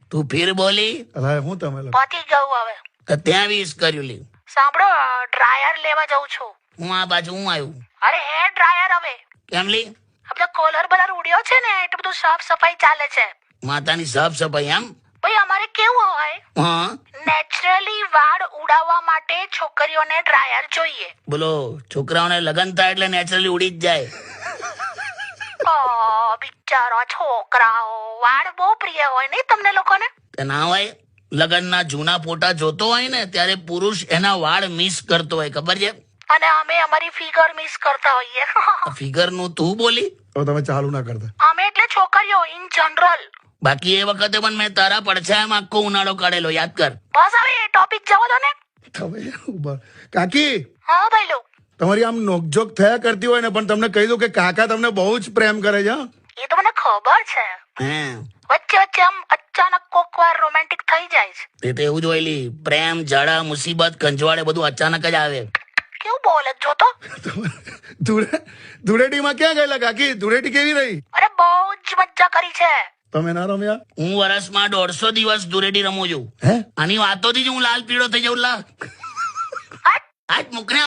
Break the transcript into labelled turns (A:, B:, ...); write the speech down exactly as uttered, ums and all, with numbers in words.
A: તું ફીર બોલી
B: અલા હું તમે લોકો
C: પતી ગયું હવે.
A: તો ત્યાં વીસ કર્યું લી.
C: સાંભળો, ડ્રાયર લેવા જઉં છું.
A: હું આ બાજુ હું આવ્યું.
C: અરે હે ડ્રાયર હવે
A: કેમ લી?
C: આપણે કોલર બલર ઉડ્યો છે ને એટલે બધું સાફ સફાઈ ચાલે છે.
A: માતાની સાફ સફાઈ એમ?
C: ભાઈ અમારે કેવું હોય,
A: હા
C: નેચરલી વાળ ઉડાવવા માટે છોકરીઓને ડ્રાયર જોઈએ.
A: બોલો, છોકરાઓને લગન થાય એટલે નેચરલી ઉડી જ જાય.
C: ઓ બિચારા છોકરાઓ, વાળ બહુ પ્રિય હોય નહીં તમને લોકોને?
A: તે ના હોય? લગનના જૂના ફોટા જોતો હોય ને ત્યારે પુરુષ એના વાળ મિસ કરતો હોય, ખબર છે?
C: અને અમે અમારી ફિગર મિસ કરતા હોઈએ.
A: ફિગર નું તું બોલી?
B: હવે તમે ચાલુ ના કરતા.
C: અમે એટલે છોકરીઓ ઇન જનરલ.
A: બાકી એ વખતે પણ મેં તારા પડછાયામાં આખો ઉનાળો કાઢેલો, યાદ કર.
C: બસ હવે એ ટોપિક જવા દો ને.
B: તમે ઉભા. કાકી
C: હા ભાઈલો,
B: તમારી આમ નોકઝોક થયા કરતી હોય ને, પણ તમને કહી દઉં કે કાકા તમને બહુ જ પ્રેમ કરે છે. હા?
C: એ તો મને ખબર છે.
A: હે
C: વચ્ચે વચ્ચે આમ અચાનક કોક વાર રોમેન્ટિક થઈ જાય છે.
A: તે તો એવું જ હોય લી. પ્રેમ, ઝાડા, મુસીબત, કંજવાળે બધું અચાનક જ આવે.
C: કેવું બોલે છો તો?
B: ધૂળે ધૂળેટીમાં ક્યાં ગયેલા કાકી? ધૂળેટી કેવી રહી?
C: અરે બહુ જ મજા કરી છે.
B: તમે ના રમ્યા?
A: હું વર્ષમાં દોઢસો દિવસ ધૂળેટી રમું છું.
B: હે?
A: આની વાતોથી જ હું લાલ પીળો થઈ જાઉં. લા
C: હટ!
A: આજ મુકને